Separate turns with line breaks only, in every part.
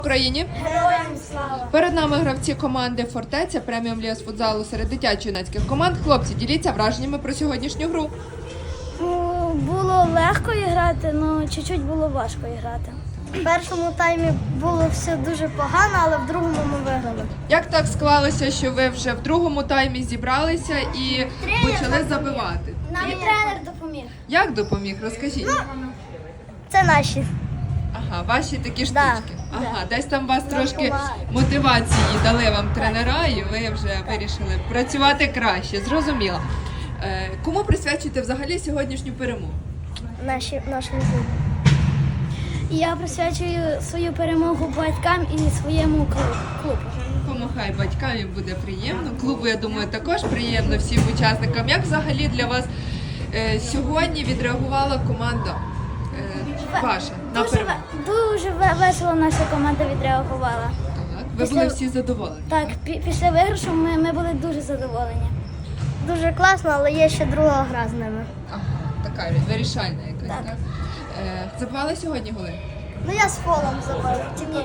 Україні.
Героям слава!
Перед нами гравці команди «Фортеця» преміум ліг з футзалу серед дитячо-юнацьких команд. Хлопці, діліться враженнями про сьогоднішню гру.
Було легко грати, але чуть-чуть було важко грати. В першому таймі було все дуже погано, але в другому ми виграли.
Як так склалося, що ви вже в другому таймі зібралися і почали забивати?
Нам тренер допоміг.
Як допоміг? Розкажіть.
Це наші.
Ага, ваші такі штучки.
Да,
Ага, десь там вас трошки
допомагають.
мотивації дали вам тренера, і ви вже вирішили працювати краще. Зрозуміло. Кому присвячуєте взагалі сьогоднішню перемогу?
Нашому клубу. Я присвячую свою перемогу батькам і своєму клубу.
Помахай батькам, їм буде приємно. Клубу, я думаю, також приємно всім учасникам. Як взагалі для вас сьогодні відреагувала команда ваша на перемогу?
Дуже весело наша команда відреагувала.
Так, ви були всі задоволені?
Так, після виграшу ми були дуже задоволені. Дуже класно, але є ще друга гра з ними.
Ага, така вирішальна якась, так? Забивали сьогодні голи?
Ну я з фолом забив. Ні.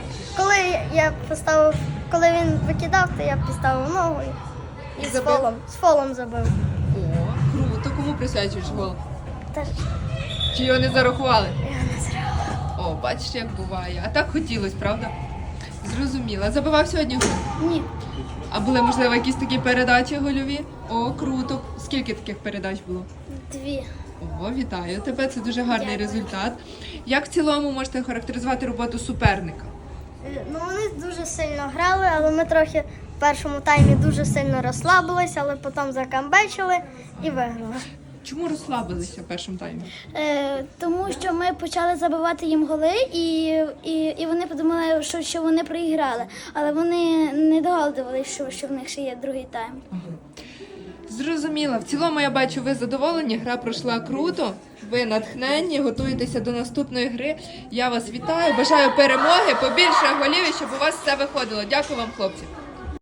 Коли він викидав, то я поставив ногу і
Забив?
з фолом забив.
О, круто. Кому присвячуєш гол?
Теж
Чи його не зарахували?
я не зря.
О, бачиш, як буває. А так хотілося, правда? Зрозуміла. Забивав сьогодні гол?
Ні.
А були, можливо, якісь такі передачі гольові? О, круто. Скільки таких передач було?
2.
О, вітаю тебе, це дуже гарний результат. Як в цілому можете характеризувати роботу суперника?
Ну вони дуже сильно грали, але ми трохи в першому таймі дуже сильно розслабилися, але потім закамбечили і виграли.
Чому розслабилися в першому таймі?
Тому що ми почали забивати їм голи, і вони подумали, що вони проіграли. Але вони не догадувалися, що в них ще є другий тайм.
Зрозуміла. В цілому, я бачу, ви задоволені, гра пройшла круто, ви натхненні, готуєтеся до наступної гри. Я вас вітаю, бажаю перемоги, побільше голів, і щоб у вас все виходило. Дякую вам, хлопці.